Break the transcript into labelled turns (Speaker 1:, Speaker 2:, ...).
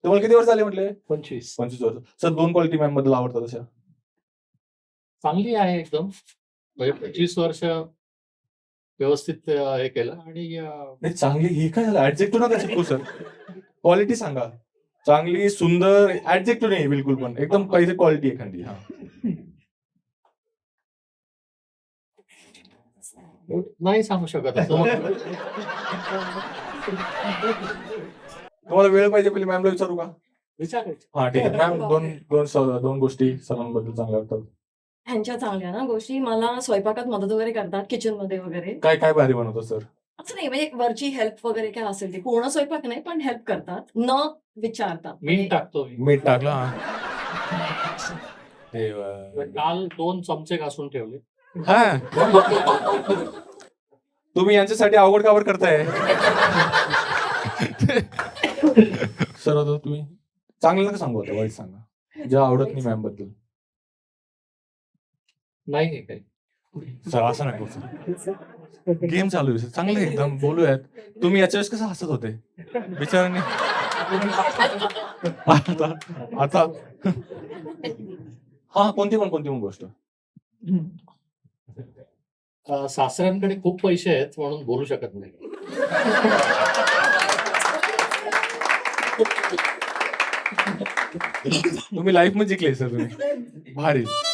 Speaker 1: तुम्हाला किती वर्ष झाले म्हटले?
Speaker 2: 25.
Speaker 1: 25 वर्ष. सर 2 क्वालिटी मॅम बद्दल आवडतात अशा.
Speaker 2: चांगली आहे एकदम. म्हणजे 25 वर्ष व्यवस्थित हे केलं आणि
Speaker 1: नाही चांगली ही काय झालं ऍडजेक्टिव्ह नका शिकू सर. क्वालिटी सांगा. चांगली, सुंदर ऍडजेक्टिव्ह नाही बिलकुल पण. एकदम पाहिजे क्वालिटी एखादी. हा.
Speaker 2: नाही सांगू शकत असं.
Speaker 1: तुम्हाला वेळ पाहिजे पहिले मॅमला विचारू का?
Speaker 2: विचारायचं.
Speaker 1: हा ठीक आहे मॅम. दोन गोष्टी सरांबद्दल चांगल्या वाटतात.
Speaker 3: ह्यांच्या चांगल्या ना गोष्टी मला स्वयंपाकात मदत वगैरे करतात किचन मध्ये वगैरे.
Speaker 1: काय काय भारी बनवतो सर?
Speaker 3: असं नाही म्हणजे वरची हेल्प वगैरे काय असेल ते पूर्ण स्वयंपाक नाही पण हेल्प करतात न विचारता.
Speaker 2: मीठ टाकतो मी.
Speaker 1: मीठ टाकलं हा. देवा.
Speaker 2: काल 2 चमचे घासून ठेवले.
Speaker 1: हा. तुम्ही यांच्यासाठी अवघड कावर करताय? सर आता तुम्ही चांगलं नका सांगू आता वाईट सांगा. जे आवडत नाही मॅम बद्दल.
Speaker 2: नाही आहे काही.
Speaker 1: सर असं नको सर. गेम चालू आहे चांगलं एकदम बोलूयात. तुम्ही याच्या वेळेस कसं हसत होते बिचारांनी. आता हा कोणती पण गोष्ट.
Speaker 2: सासऱ्यांकडे खूप पैसे आहेत म्हणून बोलू शकत नाही.
Speaker 1: तुम्ही लाईफ मध्ये जिंकले सर तुम्ही. भारी.